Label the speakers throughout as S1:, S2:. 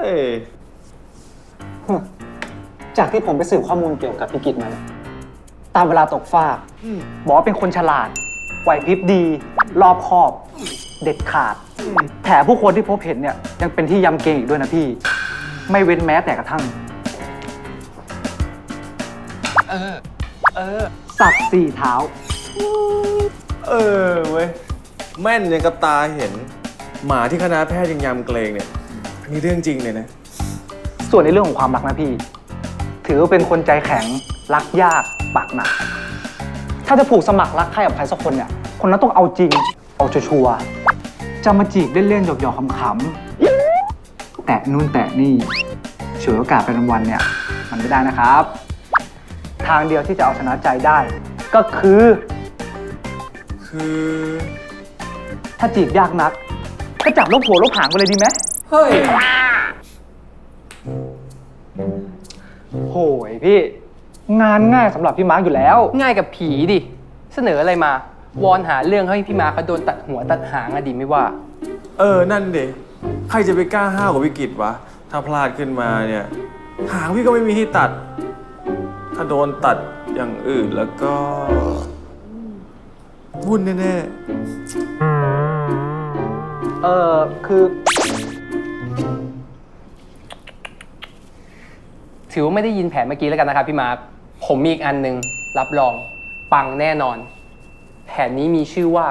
S1: จากที่ผมไปสืบข้อมูลเกี่ยวกับพี่กิตมาเนี่ยตามเวลาตกฟากบอกว่าเป็นคนฉลาดไหวพริบดี รอบคอบ เด็ดขาดแถมผู้คนที่พบเห็นเนี่ยยังเป็นที่ยำเกรงอีกด้วยนะพี่ ไม่เว้นแม้แต่กระทั่งสับ4 เท้า
S2: เว้ยแม่นยังกับตาเห็นหมาที่คณะแพทย์ยังยำเกรงเนี่ยอันนี้เรื่องจริงเลยนะ
S1: ส่วนในเรื่องของความรักนะพี่ ถือว่าเป็นคนใจแข็งรักยากปากหนักถ้าจะผูกสมัครรักใครกับใครสักคนเนี่ยคนนั้นต้องเอาจริงเอาชัวร์ๆจะมาจีบเล่นๆหยอกๆขำๆแตะนู่นแตะนี่ฉวยโอกาสเป็นวันๆเนี่ยมันไม่ได้นะครับ ทางเดียวที่จะเอาชนะใจได้ ก็คือถ้าจีบยากนักก็จับลบหัวลบหางไปเลยดีไหม
S3: เฮ้ย
S1: โหยพี่งานง่ายสำหรับพี่มาร์คอยู่แล้ว
S3: ง่ายกับผีดิ เสนออะไรมาวอนหาเรื่องให้พี่มาเขาโดนตัดหัวตัดหางอะดิไม่ว่า
S2: นั่นเด็ใครจะไปกล้าห้าวกับวิกฤตวะถ้าพลาดขึ้นมาเนี่ยหางพี่ก็ไม่มีที่ตัด ถ้าโดนตัดอย่างอื่นแล้วก็วุ่นแน่
S1: คือ
S3: ถือว่าไม่ได้ยินแผนเมื่อกี้แล้วกันนะครับพี่มาร์คผมมีอีกอันหนึ่งรับรองปังแน่นอน แผนนี้มีชื่อว่า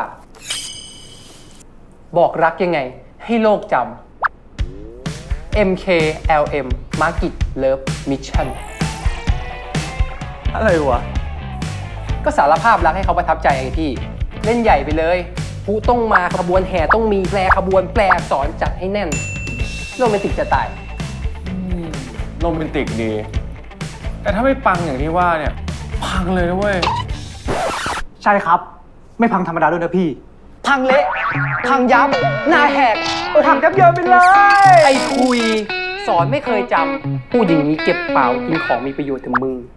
S3: บอกรักยังไงให้โลกจำ MKLM Market Love Mission
S2: ๆอะไรวะ
S3: ก็สารภาพรักให้เขาประทับใจไงพี่ เล่นใหญ่ไปเลยผู้ต้องมาขบวนแห่ต้องมีแปลขบวนแปลอักษรจัดให้แน่นโรแมนติกจะตาย
S2: โรแมนติกดี แต่ถ้าไม่ปังอย่างที่ว่าเนี่ยพังเลยนะเว้ย
S1: ใช่ครับ ไม่พังธรรมดาด้วยนะพี่ พังเละพังยับหน้าแหกพังยับเยินไปเลย
S3: ไอ้คุย สอนไม่เคยจำพูดอย่างนี้เก็บเปล่ากินของมีประโยชน์ถึงมึง